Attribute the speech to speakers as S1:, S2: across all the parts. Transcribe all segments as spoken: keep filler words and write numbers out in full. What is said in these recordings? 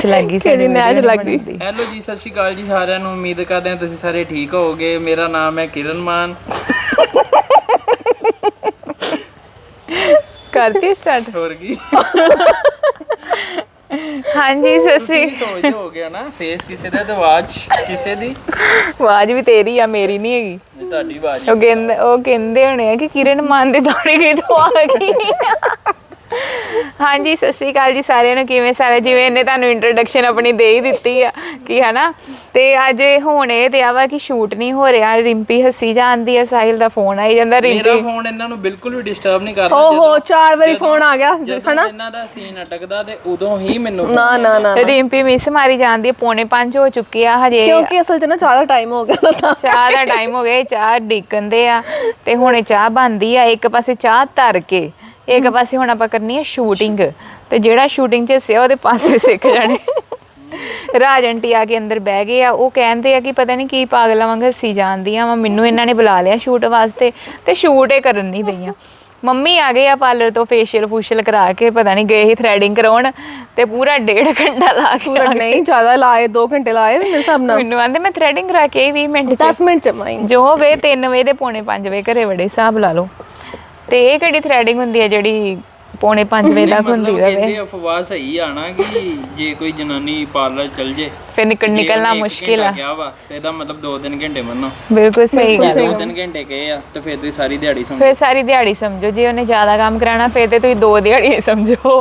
S1: ਨੈਚ ਲੱਗ ਗਈ
S2: ਕਿਹਦੀ ਨੈਚ ਲੱਗ ਗਈ।
S3: ਹੈਲੋ ਜੀ, ਸਤਿ ਸ਼੍ਰੀ ਅਕਾਲ ਜੀ ਸਾਰਿਆਂ ਨੂੰ। ਉਮੀਦ ਕਰਦੇ ਹਾਂ ਤੁਸੀਂ ਸਾਰੇ ਠੀਕ ਹੋਵੋਗੇ। ਮੇਰਾ ਨਾਮ ਹੈ ਕਿਰਨ ਮਾਨ।
S1: ਕਰਤੀ ਸਟਾਰਟ
S3: ਹੋਰ ਕੀ
S1: ਹਾਂਜੀ ਸਤਿ ਸ਼੍ਰੀ
S3: ਤੁਸੀਂ ਸੋਚਦੇ ਹੋਗੇ ਨਾ ਫੇਸ ਕਿਸੇ ਦਾ ਤੇ ਆਵਾਜ਼ ਕਿਸੇ ਦੀ।
S1: ਆਵਾਜ਼ ਵੀ ਤੇਰੀ ਆ, ਮੇਰੀ ਨਹੀਂ ਹੈਗੀ।
S3: ਇਹ ਤੁਹਾਡੀ ਆਵਾਜ਼
S1: ਉਹ ਕਹਿੰਦੇ ਉਹ ਕਹਿੰਦੇ ਹੋਣੇ ਆ ਕਿ ਕਿਰਨ ਮਾਨ ਦੇ ਦੌੜੇ ਗਈ ਤੋਂ ਆ ਗਈ। ਹਾਂਜੀ ਸਤਿ ਸ਼੍ਰੀ ਅਕਾਲ ਜੀ ਸਾਰਿਆਂ ਨੂੰ। ਕਿਵੇਂ ਸਾਰੇ? ਜਿਵੇਂ ਇਹਨੇ ਤੁਹਾਨੂੰ ਇੰਟਰੋਡਕਸ਼ਨ ਆਪਣੀ ਦੇ ਹੀ ਦਿੱਤੀ ਆ ਕਿ ਹਨਾ। ਤੇ ਅੱਜ ਹੁਣ ਇਹ ਤੇ ਆ ਵਾ ਕਿ ਸ਼ੂਟ ਨਹੀਂ ਹੋ ਰਿਹਾ। ਰਿੰਪੀ ਹੱਸੀ ਜਾਂਦੀ ਆ, ਸਾਹਿਲ ਦਾ ਫੋਨ ਆਈ ਜਾਂਦਾ।
S3: ਮੇਰਾ
S1: ਰਿੰਪੀ
S3: ਫੋਨ ਇਹਨਾਂ ਨੂੰ ਬਿਲਕੁਲ ਵੀ ਡਿਸਟਰਬ ਨਹੀਂ ਕਰਦਾ।
S2: ਓਹੋ ਚਾਰ ਵਾਰੀ ਫੋਨ ਆ ਗਿਆ
S3: ਹਨਾ। ਇਹਨਾਂ ਦਾ ਸੀਨ ਅਟਕਦਾ ਤੇ ਉਦੋਂ ਹੀ ਮੈਨੂੰ
S2: ਨਾ ਨਾ ਨਾ
S1: ਰਿੰਪੀ ਮਿਸ ਮਾਰੀ ਜਾਂਦੀ ਹੈ। ਪੌਣੇ ਪੰਜ ਹੋ ਚੁੱਕੇ ਆ ਹਜੇ,
S2: ਕਿਉਂਕਿ ਅਸਲ 'ਚ ਨਾ ਚਾਹ ਦਾ ਟਾਈਮ ਹੋ ਗਿਆ।
S1: ਚਾਹ ਦਾ ਟਾਈਮ ਹੋ ਗਿਆ। ਚਾਹ ਡਿੱਕਣ ਦੇ ਆ ਤੇ ਹੁਣੇ ਚਾਹ ਬਣਦੀ ਆ। ਇੱਕ ਪਾਸੇ ਚਾਹ ਧਰ ਕੇ ਇੱਕ ਪਾਸੇ ਹੁਣ ਆਪਾਂ ਕਰਨੀ ਹੈ ਸ਼ੂਟਿੰਗ। ਤੇ ਜਿਹੜਾ ਸ਼ੂਟਿੰਗ 'ਚ ਹਿੱਸਿਆ ਉਹਦੇ ਪਾਸੇ ਸਿੱਖ ਜਾਣੇ। ਰਾਜ ਆਂਟੀ ਆ ਕੇ ਅੰਦਰ ਬਹਿ ਗਏ ਆ। ਉਹ ਕਹਿੰਦੇ ਆ ਕਿ ਪਤਾ ਨਹੀਂ ਕੀ ਪਾਗਲਾਂ ਵਾਂਗ ਹੱਸੀ ਜਾਂਦੀਆਂ ਵਾ। ਮੈਨੂੰ ਇਹਨਾਂ ਨੇ ਬੁਲਾ ਲਿਆ ਸ਼ੂਟ ਵਾਸਤੇ ਤੇ ਸ਼ੂਟ ਇਹ ਕਰਨ ਨਹੀਂ ਦਈਆਂ। ਮੰਮੀ ਆ ਗਏ ਆ ਪਾਰਲਰ ਤੋਂ ਫੇਸ਼ੀਅਲ ਫੂਸ਼ੀਅਲ ਕਰਾ ਕੇ, ਪਤਾ ਨਹੀਂ ਗਏ ਹੀ ਥਰੈਡਿੰਗ ਕਰਾਉਣ ਤੇ ਪੂਰਾ ਡੇਢ ਘੰਟਾ ਲਾ ਕੇ
S2: ਪੂਰਾ ਨਹੀਂ ਜ਼ਿਆਦਾ ਲਾਏ, ਦੋ ਘੰਟੇ ਲਾਏ ਮੇਰੇ ਹਿਸਾਬ ਨਾਲ।
S1: ਮੈਨੂੰ ਆਂਦੇ ਮੈਂ ਥਰੈਡਿੰਗ ਕਰਾ ਕੇ ਵੀਹ ਮਿੰਟ
S2: ਦਸ ਮਿੰਟ ਚ ਮਾਈ
S1: ਜੋ ਹੋ ਗਏ। ਤਿੰਨ ਵਜੇ ਦੇ ਪੌਣੇ ਪੰਜ ਵਜੇ ਘਰੇ ਵੜੇ, ਹਿਸਾਬ ਲਾ ਲਓ। ਤੇ ਇਹ ਕਿਹੜੀ ਥਰੈਡਿੰਗ ਹੁੰਦੀ ਹੈ ਜਿਹੜੀ ਪੌਣੇ ਪੰਜ ਵਜੇ ਤੱਕ ਹੁੰਦੀ ਰਹੇ?
S3: ਕਹਿੰਦੇ ਅਫਵਾਹ ਸਹੀ ਆ ਨਾ ਕਿ ਜੇ ਕੋਈ ਜਨਾਨੀ ਪਾਰਲਰ ਚਲ ਜੇ
S1: ਫਿਰ ਨਿਕਲ ਨਿਕਲਣਾ ਮੁਸ਼ਕਿਲ ਆ।
S3: ਕਿਹਾ ਵਾ ਤੇ ਇਹਦਾ ਮਤਲਬ ਦੋ ਤਿੰਨ ਘੰਟੇ ਮੰਨੋ।
S1: ਬਿਲਕੁਲ ਸਹੀ ਗੱਲ।
S3: ਦੋ ਤਿੰਨ ਘੰਟੇ ਕਹੇ ਆ ਤੇ ਫਿਰ ਤੁਸੀਂ ਸਾਰੀ ਦਿਹਾੜੀ ਸਮਝੋ।
S1: ਫਿਰ ਸਾਰੀ ਦਿਹਾੜੀ ਸਮਝੋ। ਜੇ ਉਹਨੇ ਜ਼ਿਆਦਾ ਕੰਮ ਕਰਾਉਣਾ ਫਿਰ ਤੇ ਤੁਸੀਂ ਦੋ ਦਿਹਾੜੀਆਂ ਸਮਝੋ।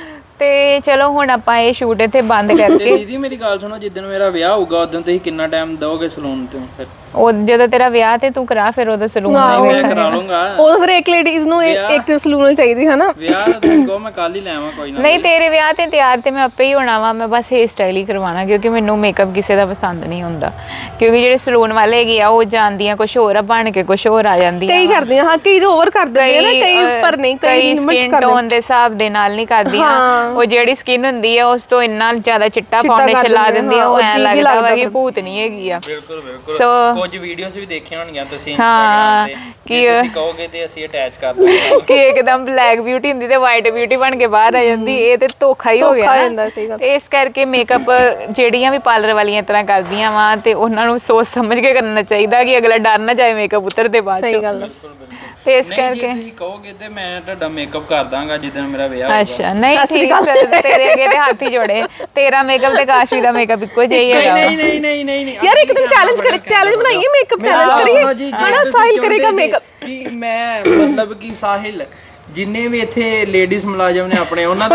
S1: ਤੇ ਚਲੋ ਹੁਣ ਆਪਾਂ ਇਹ ਸ਼ੂਟ ਇੱਥੇ ਬੰਦ ਕਰਕੇ।
S3: ਦੀਦੀ ਮੇਰੀ ਗੱਲ ਸੁਣੋ, ਜਿੱਦਣ ਮੇਰਾ ਵਿਆਹ ਹੋਊਗਾ ਉਦੋਂ ਤੁਸੀਂ ਕਿੰਨਾ ਟਾਈਮ ਦਿਓਗੇ ਸਲੂਨ ਤੇ? ਫਿਰ
S1: ਉਹ ਜਦੋਂ ਤੇਰਾ ਵਿਆਹ ਤੇ ਤੂੰ ਕਰਾ, ਫਿਰ ਉਹਦਾ ਸਲੂਨ
S3: ਮੈਂ ਕਰਾ ਲੂੰਗਾ।
S2: ਉਹ ਫਿਰ ਇੱਕ ਲੇਡੀਜ਼ ਨੂੰ ਇੱਕ ਸਲੂਨ ਚਾਹੀਦੀ ਹੈ ਨਾ।
S3: ਵਿਆਹ ਦੇਖੋ ਮੈਂ ਕੱਲ ਹੀ ਲੈਵਾਂ ਕੋਈ ਨਾ।
S1: ਨਹੀਂ ਤੇਰੇ ਵਿਆਹ ਤੇ ਤਿਆਰ ਤੇ ਮੈਂ ਆਪੇ ਹੀ ਹੋਣਾ ਵਾ। ਮੈਂ ਬਸ ਹੇਅਰ ਸਟਾਈਲ ਹੀ ਕਰਵਾਉਣਾ ਕਿਉਂਕਿ ਮੈਨੂੰ ਮੇਕਅਪ ਕਿਸੇ ਦਾ ਪਸੰਦ ਨਹੀਂ ਹੁੰਦਾ। ਕਿਉਂਕਿ ਜਿਹੜੇ ਸਲੂਨ ਵਾਲੇ ਹੈਗੇ ਆ ਉਹ ਜਾਂਦੀਆਂ ਕੁਛ ਹੋਰ ਆ, ਬਣ ਕੇ ਕੁਛ ਹੋਰ ਆ ਜਾਂਦੀਆਂ।
S2: ਕਈ ਕਰਦੀਆਂ ਹਾਂ, ਕਈ ਓਵਰ ਕਰ ਦਿੰਦੇ ਨਾ, ਕਈ ਪਰ ਨਹੀਂ, ਕਈ
S1: ਸਕਿਨ ਟੋਨ ਦੇ ਹਿਸਾਬ ਦੇ ਨਾਲ ਨਹੀਂ ਕਰਦੀਆਂ। ਉਹ ਜਿਹੜੀ ਸਕਿਨ ਹੁੰਦੀ ਆ ਉਸ ਤੋਂ ਇੰਨਾ ਜ਼ਿਆਦਾ ਚਿੱਟਾ ਫਾਊਂਡੇਸ਼ਨ ਲਾ ਦਿੰਦੀ ਆ, ਉਹ ਐਂ ਲੱਗਦਾ ਵਾ ਕਿ ਭੂਤ ਨਹੀਂ ਹੈਗੀ ਆ।
S3: ਬਿਲਕੁਲ ਬਿਲਕੁਲ।
S1: ਸੋ
S3: ਕੁਝ ਵੀਡੀਓਜ਼ ਵੀ ਦੇਖੀਆਂ ਹੋਣਗੀਆਂ ਤੁਸੀਂ
S1: ਹਾਂ
S3: ਇੰਸਟਾਗ੍ਰਾਮ ਤੇ, ਕਿ ਤੁਸੀਂ ਕਹੋਗੇ ਤੇ ਅਸੀਂ ਅਟੈਚ ਕਰ ਦਾਂਗੇ
S1: ਕਿ ਇੱਕਦਮ ਬਲੈਕ ਬਿਊਟੀ ਹੁੰਦੀ ਤੇ ਵਾਈਟ ਬਿਊਟੀ ਬਣ ਕੇ ਬਾਹਰ ਆ ਜਾਂਦੀ। ਇਹ ਤੇ ਧੋਖਾ ਹੀ ਹੋ ਗਿਆ ਨਾ। ਤੇ ਇਸ ਕਰਕੇ ਮੇਕਅਪ ਜਿਹੜੀਆਂ ਵੀ ਪਾਰਲਰ ਵਾਲੀਆਂ ਇਸ ਤਰ੍ਹਾਂ ਕਰਦੀਆਂ ਵਾ ਤੇ ਉਹਨਾਂ ਨੂੰ ਸੋਚ ਸਮਝ ਕੇ ਕਰਨਾ ਚਾਹੀਦਾ ਕਿ ਅਗਲਾ ਡਰ ਨਾ ਜਾਏ ਮੇਕਅਪ ਉਤਰਦੇ ਬਾਅਦ ਚ।
S2: ਸਹੀ ਗੱਲ।
S1: ਤੇ ਇਸ ਕਰਕੇ
S3: ਤੁਸੀਂ ਕਹੋਗੇ ਤੇ ਮੈਂ ਤੁਹਾਡਾ ਮੇਕਅਪ ਕਰ ਦਾਂਗਾ ਜਿੱਦਣ ਮੇਰਾ ਵਿਆਹ ਹੋਊਗਾ।
S1: ਅੱਛਾ ਨਹੀਂ ਠੀਕ ਹੈ। ਤੇਰੇ ਅੱਗੇ ਤੇ ਹੱਥ ਹੀ ਜੋੜੇ। ਤੇਰਾ ਮੇਕਅਪ ਤੇ ਕਾਸ਼ਵੀ ਦਾ ਮੇਕਅਪ ਇੱਕੋ ਜਿਹਾ ਹੀ ਹੈਗਾ।
S3: ਨਹੀਂ ਨਹੀਂ ਨਹੀਂ ਨਹੀਂ ਨਹੀਂ
S2: ਯਾਰ ਇੱਕ ਦਿਨ ਚੈਲੰਜ ਕਰ ਚੈਲੰਜ ਬਣਾਈਏ, ਮੇਕਅਪ ਚੈਲੰਜ ਕਰੀਏ ਹਨਾ। ਸਾਹਿਲ ਕਰੇਗਾ ਮੇਕਅਪ।
S3: ਕਿ ਮੈਂ ਮਤਲਬ ਕਿ ਸਾਹਿਲ ਜਿੰਨੇ ਵੀ ਇੱਥੇ ਲੇਡੀਜ਼ ਮੁਲਾਜ਼ਮ ਨੇ ਆਪਣੇ ਉਹਨਾਂ ਦਾ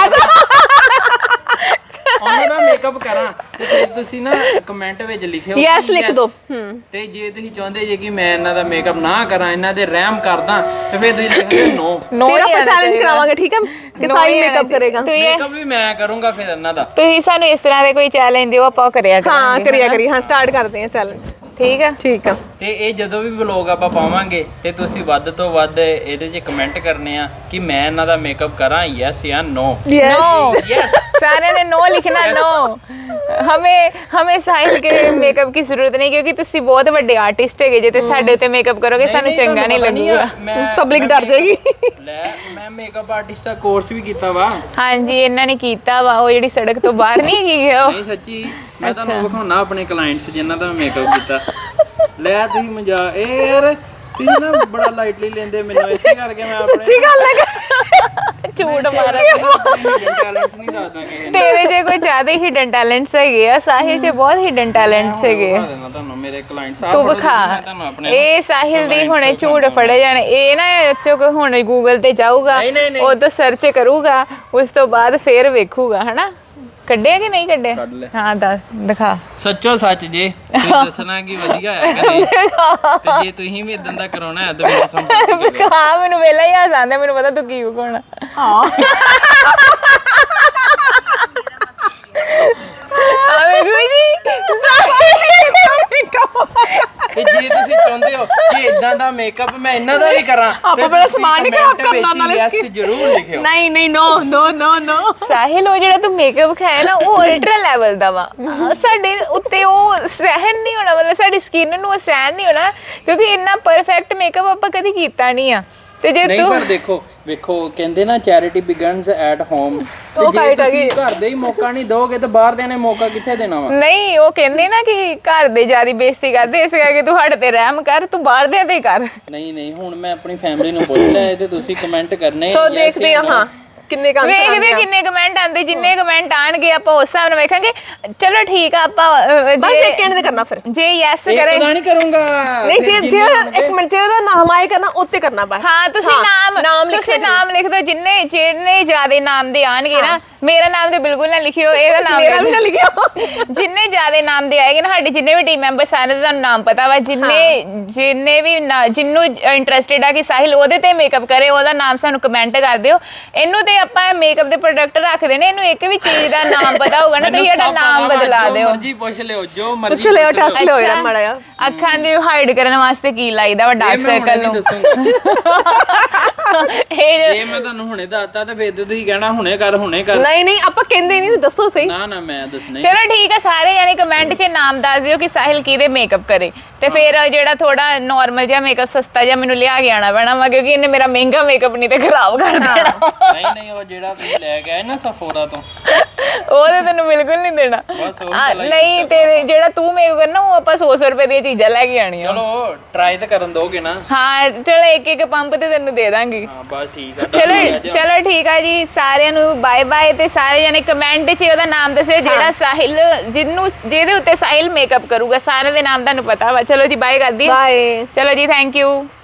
S3: ਉਹਨਾਂ ਦਾ ਮੇਕਅਪ ਕਰਾਂ ਤੇ ਫਿਰ ਤੁਸੀਂ ਨਾ ਕਮੈਂਟ ਵਿੱਚ ਲਿਖਿਓ
S2: ਯੈਸ ਲਿਖ ਦਿਓ।
S3: ਤੇ ਜੇ ਤੁਸੀਂ ਚਾਹੁੰਦੇ ਜੇ ਕਿ ਮੈਂ ਇਹਨਾਂ ਦਾ ਮੇਕਅਪ ਨਾ ਕਰਾਂ, ਇਹਨਾਂ ਦੇ ਰਹਿਮ ਕਰਦਾ, ਤੇ ਫਿਰ ਤੁਸੀਂ ਲਿਖੋਗੇ ਨੋ।
S2: ਫਿਰ ਆਪਾਂ ਚੈਲੰਜ ਕਰਾਵਾਂਗੇ, ਠੀਕ ਹੈ, ਕਿ ਸਾਹਿਲ ਮੇਕਅਪ ਕਰੇਗਾ।
S3: ਮੇਕਅਪ ਵੀ ਮੈਂ ਕਰੂੰਗਾ ਫਿਰ ਇਹਨਾਂ ਦਾ।
S1: ਤੁਸੀਂ ਸਾਨੂੰ ਇਸ ਤਰ੍ਹਾਂ ਦੇ ਕੋਈ ਚੈਲੰਜ ਦਿਓ, ਆਪਾਂ ਕਰਿਆ ਕਰਾਂਗੇ।
S2: ਹਾਂ ਕਰਿਆ ਕਰੀ। ਹਾਂ ਸਟਾਰਟ ਕਰਦੇ ਹਾਂ ਚੈਲੰਜ।
S1: ਠੀਕ ਆ
S2: ਠੀਕ ਆ।
S3: ਤੇ ਇਹ ਜਦੋਂ ਵੀ ਵਲੌਗ ਆਪਾਂ ਪਾਵਾਂਗੇ ਤੇ ਤੁਸੀਂ ਵੱਧ ਤੋਂ ਵੱਧ ਇਹਦੇ 'ਚ ਕਮੈਂਟ ਕਰਨੇ ਆ ਕਿ ਮੈਂ ਇਹਨਾਂ ਦਾ ਮੇਕਅਪ ਕਰਾਂ, ਯੈਸ ਜਾਂ ਨੋ।
S1: नो
S3: यस
S1: सारे ने नो लिखना। नो हमें हमें साहिल के मेकअप की जरूरत नहीं क्योंकि ਤੁਸੀਂ ਬਹੁਤ ਵੱਡੇ ਆਰਟਿਸਟ ਹੈਗੇ ਜੇ ਤੇ ਸਾਡੇ ਉੱਤੇ ਮੇਕਅਪ ਕਰੋਗੇ ਸਾਨੂੰ ਚੰਗਾ ਨਹੀਂ ਲੱਗੂਗਾ।
S2: ਪਬਲਿਕ ਡਰ ਜਾਏਗੀ।
S3: ਲੈ ਮੈਂ ਮੇਕਅਪ ਆਰਟਿਸਟ ਦਾ ਕੋਰਸ ਵੀ ਕੀਤਾ ਵਾ।
S1: ਹਾਂਜੀ ਇਹਨਾਂ ਨੇ ਕੀਤਾ ਵਾ। ਉਹ ਜਿਹੜੀ ਸੜਕ ਤੋਂ ਬਾਹਰ ਨਹੀਂ ਹੈਗੀ ਉਹ।
S3: ਨਹੀਂ ਸੱਚੀ ਮੈਂ ਤੁਹਾਨੂੰ ਵਿਖਾਉਣਾ ਆਪਣੇ ਕਲਾਇੰਟਸ ਜਿਨ੍ਹਾਂ ਦਾ ਮੇਕਅਪ ਕੀਤਾ। ਲੈ ਤੁਸੀਂ ਮਜ਼ਾ ਇਹ ਯਾਰ ਤੁਸੀਂ ਨਾ ਬੜਾ ਲਾਈਟਲੀ ਲੈਂਦੇ ਮੈਨੂੰ, ਇਸੇ ਕਰਕੇ ਮੈਂ ਆਪਣੇ
S2: ਸੱਚੀ ਗੱਲ ਹੈ।
S1: ਝੂਠ ਮਾਰਾ।
S3: ਟੈਲੈਂਟਸ ਨਹੀਂ ਦੱਸਦਾ ਕਿ
S1: ਤੇਰੇ ਜੇ ਕੋਈ ਜ਼ਿਆਦਾ ਹਿਡਨ ਟੈਲੈਂਟਸ ਹੈਗੇ ਆ। ਸਾਹਿਲ 'ਚ ਬਹੁਤ ਹਿਡਨ ਟੈਲੈਂਟਸ ਹੈਗੇ ਆ।
S3: ਤੁਹਾਨੂੰ ਮੇਰੇ ਕਲਾਇੰਟਸ
S1: ਤੂੰ ਵਿਖਾ। ਇਹ ਸਾਹਿਲ ਦੀ ਹੁਣੇ ਝੂਠ ਫੜੇ ਜਾਣੇ। ਇਹ ਨਾ ਚੁੱਕ ਹੁਣ ਗੂਗਲ ਤੇ ਜਾਊਗਾ, ਉਹ ਤੋਂ ਸਰਚ ਕਰੂਗਾ, ਉਸ ਤੋਂ ਬਾਅਦ ਫੇਰ ਵੇਖੂਗਾ ਹਨਾ ਕੱਢਿਆ ਕਿ ਨਹੀਂ ਕੱਢਿਆ। ਹਾਂ ਦੱਸ ਦਿਖਾ।
S3: ਸੱਚੋ ਸੱਚ ਜੇ ਤੁਸੀਂ ਦੱਸਣਾ ਕਿ ਵਧੀਆ ਹੈ ਕਿ ਨਹੀਂ। ਤੇ ਜੇ ਤੁਸੀਂ ਵੀ ਇਦਾਂ ਦਾ ਕਰਾਉਣਾ ਹੈ ਤਾਂ ਮੇਰੇ ਸੰਪਰਕ ਕਰੋ।
S1: ਹਾਂ ਮੈਨੂੰ ਵੇਲਾ ਹੀ ਆ ਜਾਂਦਾ, ਮੈਨੂੰ ਪਤਾ ਤੂੰ ਕੀ ਵਿਖਾਉਣਾ।
S2: ਹਾਂ
S1: ਆ ਵੇਖੋ ਜੀ
S3: ਤੇ ਜੇ ਤੁਸੀਂ ਚਾਹੁੰਦੇ ਹੋ ਕਿ ਇਦਾਂ ਦਾ ਮੇਕਅਪ ਮੈਂ ਇਹਨਾਂ ਦਾ ਵੀ ਕਰਾਂ,
S2: ਆਪਾਂ ਬੜਾ ਸਮਾਨ ਨਹੀਂ ਖਰਾਬ ਕਰਨਾ ਨਾਲੇ।
S3: ਯੈਸ ਜ਼ਰੂਰ ਲਿਖਿਓ।
S2: ਨਹੀਂ ਨਹੀਂ ਨੋ ਨੋ ਨੋ ਨੋ।
S1: ਸਾਹਿਲ ਉਹ ਜਿਹੜਾ ਤੂੰ ਮੇਕਅਪ ਖਾਇਆ ਨਾ ਉਹ ਅਲਟਰਾ ਲੈਵਲ ਦਾ ਵਾ। ਸਾਡੇ ਉੱਤੇ ਉਹ ਸਹਿਨ ਨਹੀਂ ਹੋਣਾ, ਮਤਲਬ ਸਾਡੀ ਸਕਿਨ ਨੂੰ ਉਹ ਸਹਿਨ ਨਹੀਂ ਹੋਣਾ ਕਿਉਂਕਿ ਇੰਨਾ ਪਰਫੈਕਟ ਮੇਕਅਪ ਆਪਾਂ ਕਦੀ ਕੀਤਾ ਨਹੀਂ ਆ। ਤੇ ਜੇ
S3: ਨਹੀਂ
S1: ਤੂੰ
S3: ਪਰ ਦੇਖੋ ਵੇਖੋ ਕਹਿੰਦੇ ਨਾ ਚੈਰਿਟੀ ਬਿਗਨਸ ਐਟ ਹੋਮ ਤੇ ਜੇ ਤੁਸੀਂ ਘਰ ਦੇ ਹੀ ਮੌਕਾ ਨਹੀਂ ਦੋਗੇ ਤੇ ਬਾਹਰ ਦੇ ਨੇ ਮੌਕਾ ਕਿੱਥੇ ਦੇਣਾ ਵਾ
S1: ਨਹੀਂ ਉਹ ਕਹਿੰਦੇ ਨਾ ਕਿ ਘਰ ਦੇ ਜਿਆਦੀ ਬੇਇੱਜ਼ਤੀ ਕਰਦੇ ਇਸ ਕਰਕੇ ਤੂੰ ਸਾਡੇ ਤੇ ਰਹਿਮ ਕਰ ਤੂੰ ਬਾਹਰ ਦੇ ਤੇ ਕਰ
S3: ਨਹੀਂ ਨਹੀਂ ਹੁਣ ਮੈਂ ਆਪਣੀ ਫੈਮਿਲੀ ਨੂੰ ਪੁੱਛ ਲਿਆ ਤੇ ਤੁਸੀਂ ਕਮੈਂਟ ਕਰਨੇ
S2: ਚਲੋ ਦੇਖਦੇ ਆ ਹਾਂ ਕਿੰਨੇ ਕੰਮ
S1: ਵੇਖਦੇ ਕਿੰਨੇ ਕਮੈਂਟ ਆਉਂਦੇ ਜਿੰਨੇ ਕਮੈਂਟ ਆਣਗੇ ਆਪਾਂ ਉਸ ਹਿਸਾਬ ਨਾਲ ਵੇਖਾਂਗੇ ਚਲੋ ਠੀਕ ਆ ਆਪਾਂ ਅਹ,
S2: ਬਸ
S1: ਜੇ-
S2: ਇੱਕ ਕਹਿਣ ਦੇ ਕਰਨਾ ਫਿਰ
S1: ਜੇ ਯੈਸ
S3: ਇੱਕ
S1: ਕਰੇ
S3: ਤਾਂ ਨਹੀਂ ਕਰੂੰਗਾ
S2: ਨਹੀਂ ਜੇ
S3: ਫਿਰ
S2: ਜੇ
S3: ਜਿੰਨੇ ਹੋਣਗੇ-
S2: ਇੱਕ ਮਿੰਟ ਜੇ ਉਹਦਾ ਨਾਮ ਆਏ ਕਰਨਾ ਉੱਤੇ ਕਰਨਾ ਬਸ
S1: ਹਾਂ ਤੁਸੀਂ ਨਾਮ
S2: ਨਾਮ ਲਿਖ
S1: ਤੁਸੀਂ ਨਾਮ ਲਿਖ ਦਿਓ ਜਿੰਨੇ ਜਿੰਨੇ ਜ਼ਿਆਦੇ ਨਾਮ ਦੇ ਆਣਗੇ ਨਾ ਮੇਰਾ ਨਾਮ ਤੇ ਬਿਲਕੁਲ ਨਾ ਲਿਖਿਓ ਇਹਦਾ ਨਾਮ
S2: ਮੇਰਾ ਵੀ ਨਾ ਲਿਖਿਓ
S1: ਜਿੰਨੇ ਜ਼ਿਆਦੇ ਨਾਮ ਦੇ ਆਏਗੇ ਨਾ ਸਾਡੇ ਜਿੰਨੇ ਵੀ ਟੀਮ ਮੈਂਬਰ ਸਾਰੇ ਦਾ ਤੁਹਾਨੂੰ ਨਾਮ ਪਤਾ ਵਾ ਜਿੰਨੇ ਜਿੰਨੇ ਵੀ ਨਾ- ਜਿਹਨੂੰ ਇੰਟਰਸਟਿਡ ਆ ਕਿ ਸਾਹਿਲ ਉਹਦੇ ਤੇ ਮੇਕਅਪ ਕਰੇ ਉਹਦਾ ਨਾਮ ਸਾਨੂੰ ਕਮੈਂਟ ਕਰ ਦਿਓ ਇਹਨੂੰ ਤੇ ਆਪਾਂ ਮੇਕਅਪ ਦੇ ਪ੍ਰੋਡਕਟ ਰੱਖਦੇ ਨੇ ਇਹਨੂੰ ਇੱਕ ਵੀ ਚੀਜ਼ ਦਾ ਨਾਮ ਪਤਾ ਹੋਊਗਾ ਨਾ ਤੁਸੀਂ ਇਹਦਾ ਨਾਮ ਬਦਲਾ ਦਿਓ
S3: ਮਰਜੀ ਪੁੱਛ ਲਿਓ ਜੋ ਮਰਜੀ
S2: ਪੁੱਛ ਲਿਓ ਟੈਸਟ ਲਿਓ ਯਾਰ ਮਾੜਾ ਜਿਹਾ
S1: ਅੱਖਾਂ ਦੀ ਹਾਈਡ ਕਰਨ ਵਾਸਤੇ ਕੀ ਲਾਈਦਾ ਵਾ ਡਾਰਕ ਸਰਕਲ ਨੂੰ ਇਹ
S3: ਇਹ ਮੈਂ ਤੁਹਾਨੂੰ ਹੁਣੇ ਦੱਸਤਾ ਤੇ ਫਿਰ ਤੁਸੀਂ ਕਹਿਣਾ ਹੁਣੇ ਕਰ ਹੁਣੇ ਕਰ
S2: ਨਹੀਂ ਨਹੀਂ ਆਪਾਂ ਕਹਿੰਦੇ ਨਹੀਂ ਦੱਸੋ ਸਹੀ
S3: ਨਾ ਨਾ ਮੈਂ ਦੱਸਣਾ
S1: ਚਲੋ ਠੀਕ ਹੈ ਸਾਰੇ ਜਾਨੀ ਕਮੈਂਟ 'ਚ ਨਾਮ ਦੱਸ ਦਿਓ ਕਿ ਸਾਹਿਲ ਕਿਹਦੇ ਮੇਕਅਪ ਕਰੇ ਤੇ ਫਿਰ ਜਿਹੜਾ ਥੋੜਾ ਨਾਰਮਲ ਜਿਹਾ ਮੇਕਅਪ ਸਸਤਾ ਜਿਹਾ ਮੈਨੂੰ ਲਿਆ ਕੇ ਆਣਾ ਪੈਣਾ ਵਾ ਕਿਉਂਕਿ ਇਹਨੇ ਮੇਰਾ ਮਹਿੰਗਾ ਮੇਕਅਪ ਨਹੀਂ ਤੇ ਖਰਾਬ ਕਰ ਦੇਣਾ
S3: ਨਹੀਂ ਨਹੀਂ ਉਹ ਜਿਹੜਾ ਤੁਸੀਂ ਲੈ ਕੇ ਆਏ ਨਾ ਸਫੋਰਾ ਤੋਂ
S1: ਉਹ ਤੇ ਤੈਨੂੰ ਬਿਲਕੁਲ ਨਹੀਂ ਦੇਣਾ
S3: ਬਸ ਉਹ
S1: ਆ, ਨਹੀਂ ਤੇ ਜਿਹੜਾ ਤੂੰ ਮੇਕਅਪ ਕਰਨਾ ਉਹ ਆਪਾਂ ਸੌ ਸੌ ਰੁਪਏ ਦੀਆਂ ਚੀਜ਼ਾਂ ਲੈ ਕੇ ਆਣੀਆਂ
S3: ਚਲੋ ਟਰਾਈ ਤਾਂ ਕਰਨ ਦੋਗੇ ਨਾ
S1: ਹਾਂ ਚਲੋ ਇੱਕ ਇੱਕ ਪੰਪ ਤੇ ਤੈਨੂੰ ਦੇ ਦਾਂਗੀ
S3: ਹਾਂ ਬਸ ਠੀਕ ਆ
S1: ਚਲੋ ਚਲੋ ਠੀਕ ਆ ਜੀ ਸਾਰਿਆਂ ਨੂੰ ਬਾਏ ਬਾਏ ਤੇ ਸਾਰੇ ਜਣੇ ਕਮੈਂਟ 'ਚ ਉਹਦਾ ਨਾਮ ਦੱਸਿਓ ਜਿਹੜਾ ਸਾਹਿਲ ਜਿਹਨੂੰ ਜਿਹਦੇ ਉੱਤੇ ਸਾਹਿਲ ਮੇਕਅਪ ਕਰੂਗਾ ਸਾਰੇ ਦੇ ਨਾਮ ਤੁਹਾਨੂੰ ਪਤਾ ਵਾ ਚਲੋ ਜੀ ਬਾਏ ਕਰਦੀ
S2: ਬਾਏ
S1: ਚਲੋ ਜੀ ਥੈਂਕ ਯੂ